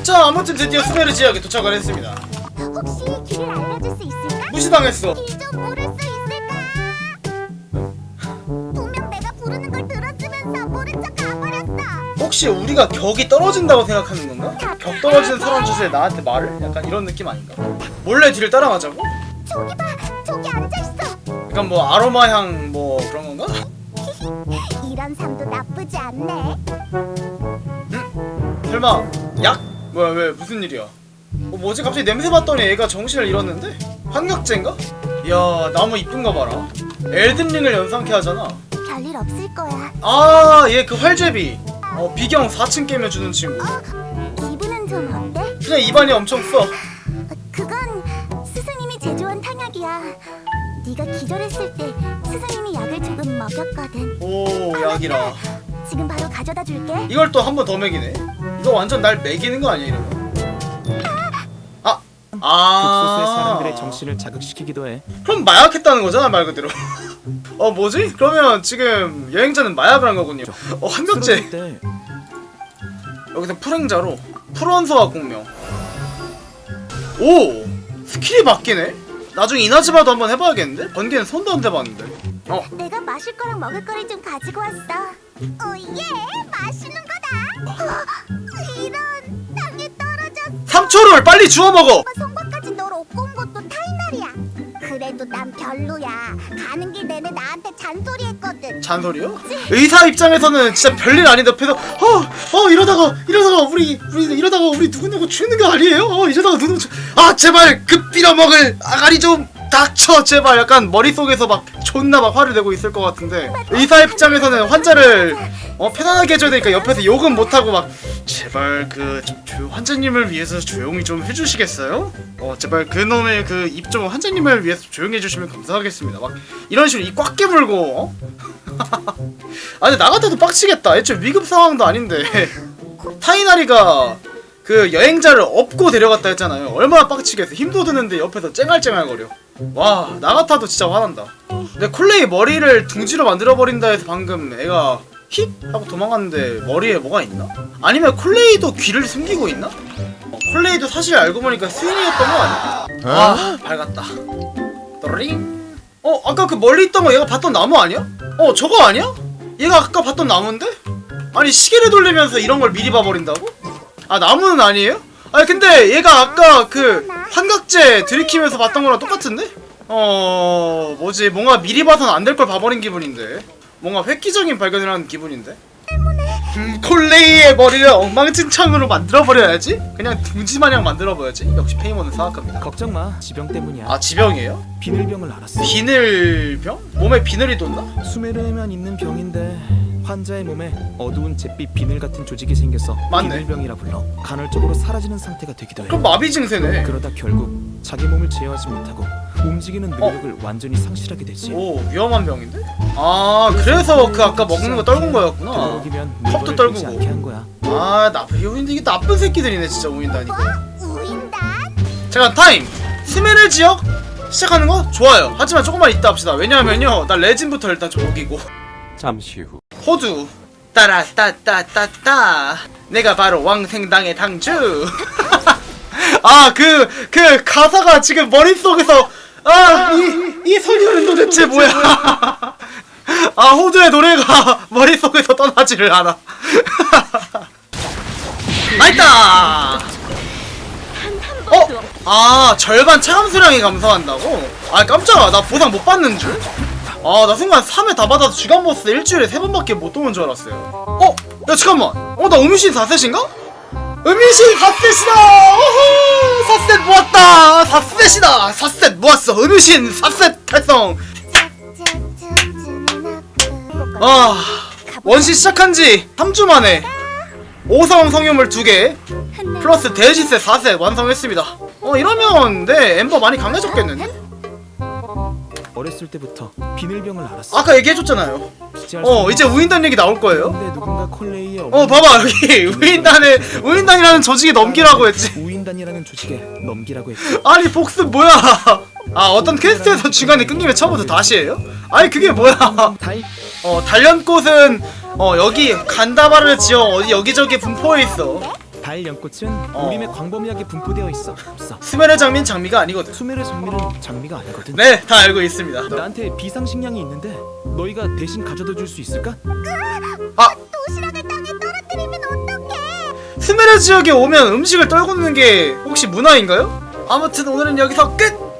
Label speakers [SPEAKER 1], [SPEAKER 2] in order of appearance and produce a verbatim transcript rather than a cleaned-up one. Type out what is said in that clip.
[SPEAKER 1] 자, 아무튼 드디어 수메르 지역에 도착을 했습니다.
[SPEAKER 2] 혹시 길을 알려줄 수 있을까?
[SPEAKER 1] 무시당했어.
[SPEAKER 2] 길 좀 물을 수 있을까? 분명 내가 부르는 걸 들었으면서 모른 척 가버렸어.
[SPEAKER 1] 혹시 우리가 격이 떨어진다고 생각하는 건가? 격 떨어지는 사람 주제에 나한테 말을? 약간 이런 느낌 아닌가? 몰래 뒤를 따라가자고?
[SPEAKER 2] 저기 봐, 저기 앉아있어.
[SPEAKER 1] 약간 뭐 아로마 향 뭐 그런 건가?
[SPEAKER 2] 이런 삶도 나쁘지 않네.
[SPEAKER 1] 설마 약? 뭐야 왜 무슨 일이야? 어 뭐지 갑자기 냄새 맡더니 얘가 정신을 잃었는데? 환각제인가? 이야 나무 이쁜가 봐라. 엘든링을 연상케 하잖아.
[SPEAKER 2] 별일 없을 거야.
[SPEAKER 1] 아 얘 그 활제비. 어 비경 사 층 깨면 주는 친구.
[SPEAKER 2] 어, 기분은 좀 어때?
[SPEAKER 1] 그냥 입안이 엄청 써.
[SPEAKER 2] 어, 그건 스승님이 제조한 탕약이야. 네가 기절했을 때 스승님이 약을 조금 먹였거든.
[SPEAKER 1] 오 약이라.
[SPEAKER 2] 지금 바로 가져다 줄게.
[SPEAKER 1] 이걸 또 한 번 더 먹이네. 이거 완전 날 먹이는 거 아니야 이러면? 아!
[SPEAKER 3] 극소수의
[SPEAKER 1] 아
[SPEAKER 3] 사람들의 정신을 자극시키기도 해.
[SPEAKER 1] 그럼 마약했다는 거잖아 말 그대로. 어 뭐지? 그러면 지금 여행자는 마약을 한 거군요. 어 환각제.
[SPEAKER 3] 쓰러질 때
[SPEAKER 1] 여기서 풀행자로 풀원소와 공명. 오! 스킬이 바뀌네? 나중에 이나즈마도 한번 해봐야겠는데? 번개는 손도 안 대봤는데. 어
[SPEAKER 2] 내가 마실 거랑 먹을 거를 좀 가지고 왔어. 오예, 맛있는 거다. 어, 이런 땅에 떨어졌어.
[SPEAKER 1] 삼초를 빨리 주워 먹어!
[SPEAKER 2] 송곳까지 널 업고 온 것도 타이날이야. 그래도 난 별로야. 가는 길 내내 나한테 잔소리했거든.
[SPEAKER 1] 잔소리요? 의사 입장에서는 진짜 별일 아닌데 옆에서 어! 어 이러다가 이러다가 우리 우리 이러다가 우리 누구누구 죽는 거 아니에요? 어 이러다가 누구 죽... 아 제발 그 빌어먹을 아가리 좀 닥쳐 제발. 약간 머릿속에서 막 존나 막 화를 내고 있을 것 같은데 의사 입장에서는 환자를 어 편안하게 해줘야 되니까 옆에서 욕은 못하고 막 제발 그 조, 환자님을 위해서 조용히 좀 해주시겠어요? 어 제발 그놈의 그 입 좀 환자님을 위해서 조용히 해주시면 감사하겠습니다. 막 이런 식으로 입 꽉 깨물고 어? 아 근데 나 같아도 빡치겠다. 애초에 위급 상황도 아닌데 타이나리가 그 여행자를 업고 데려갔다 했잖아요. 얼마나 빡치겠어. 힘도 드는데 옆에서 쨍알쨍알거려. 와 나 같아도 진짜 화난다. 근데 콜레이 머리를 둥지로 만들어버린다 해서 방금 애가 힙! 하고 도망갔는데 머리에 뭐가 있나? 아니면 콜레이도 귀를 숨기고 있나? 어, 콜레이도 사실 알고 보니까 스윈이었던 거 아니야? 아 밝았다. 또링. 어 아까 그 멀리 있던 거 얘가 봤던 나무 아니야? 어 저거 아니야? 얘가 아까 봤던 나무인데? 아니 시계를 돌리면서 이런 걸 미리 봐버린다고? 아 나무는 아니에요? 아니 근데 얘가 아까 그 환각제 들이키면서 봤던 거랑 똑같은데? 어... 뭐지 뭔가 미리 봐선 안 될 걸 봐버린 기분인데 뭔가 획기적인 발견을 하는 기분인데? 음, 콜레이의 머리를 엉망진창으로 만들어버려야지? 그냥 둥지마냥 만들어버려야지. 역시 페이몬은 사악합니다.
[SPEAKER 3] 걱정 마. 지병 때문이야.
[SPEAKER 1] 아 지병이에요?
[SPEAKER 3] 비늘병을 알았어.
[SPEAKER 1] 비늘병? 몸에 비늘이 돋나?
[SPEAKER 3] 수메르에만 있는 병인데 환자의 몸에 어두운 잿빛 비늘 같은 조직이 생겨서
[SPEAKER 1] 맞네.
[SPEAKER 3] 비늘병이라 불러. 간헐적으로 사라지는 상태가 되기도 해.
[SPEAKER 1] 그럼 마비 증세네.
[SPEAKER 3] 그러다 결국 자기 몸을 제어하지 못하고 움직이는 능력을 완전히 상실하게 되지.
[SPEAKER 1] 오 위험한 병인데? 아 그래서 그 아까 먹는 거 떨군 거였구나.
[SPEAKER 3] 들어오기면
[SPEAKER 1] 컵도
[SPEAKER 3] 물건을
[SPEAKER 1] 떨구고.
[SPEAKER 3] 들지 않게 한 거야.
[SPEAKER 1] 아 나쁜 우인데 이게 나쁜 새끼들이네 진짜 우인다니까.
[SPEAKER 2] 뭐? 우인단?
[SPEAKER 1] 잠깐 타임! 스메르 지역 시작하는 거? 좋아요. 하지만 조금만 이따 합시다. 왜냐하면요 나 레진부터 일단 좀 먹이고.
[SPEAKER 4] 잠시 후
[SPEAKER 1] 호두 따라따따따따 내가 바로 왕생당의 당주. 아 그 그 가사가 지금 머릿속에서 아이 이 소리는 도대체 뭐야. 아 호두의 노래가 머릿속에서 떠나지를 않아. 나있다. 어? 아 절반 체감 수량이 감소한다고? 아 깜짝아 나 보상 못 받는 줄? 아 나 순간 삼 회 다 받아서 주간 보스 일주일에 세 번밖에 못 도는 줄 알았어요. 어? 야 잠깐만 어 나 음유신 사 셋인가? 음유신 사 셋이다! 오호! 사 셋 모았다! 사 셋이다! 사 셋 모았어! 음유신 사 셋 달성! 아 원시 시작한지 삼 주 만에 오성 성유물 두 개 플러스 대지세 사 셋 완성했습니다. 어 이러면 네 엠버 많이 강해졌겠는데?
[SPEAKER 3] 어렸을 때부터 비늘병을 알았어.
[SPEAKER 1] 아까 얘기해줬잖아요.
[SPEAKER 3] 기지할
[SPEAKER 1] 어
[SPEAKER 3] 수
[SPEAKER 1] 이제 우인단 얘기 나올 거예요.
[SPEAKER 3] 근데 누군가 콜레이의
[SPEAKER 1] 어 봐봐 여기 우인단에 우인단이라는 조직에 넘기라고 했지.
[SPEAKER 3] 우인단이라는 조직에 넘기라고 했지.
[SPEAKER 1] 아니 복습 뭐야? 아 어떤 퀘스트에서 중간에 끊기면 처음부터 다시 해요? 아니 그게 뭐야?
[SPEAKER 3] 다이
[SPEAKER 1] 어 단련꽃은 어 여기 간다바를 지어 어디 여기저기 분포해 있어.
[SPEAKER 3] 가을 연꽃은
[SPEAKER 1] 어.
[SPEAKER 3] 우림에 광범위하게 분포되어 있어. 없어.
[SPEAKER 1] 수메르 장미는 장미가 아니거든.
[SPEAKER 3] 수메르 장미는 장미가 아니거든.
[SPEAKER 1] 네, 다 알고 있습니다.
[SPEAKER 3] 나한테 비상식량이 있는데 너희가 대신 가져다 줄 수 있을까?
[SPEAKER 1] 아,
[SPEAKER 2] 도시락을 땅에 떨어뜨리면 어떡해?
[SPEAKER 1] 수메르 지역에 오면 음식을 떨구는 게 혹시 문화인가요? 아무튼 오늘은 여기서 끝!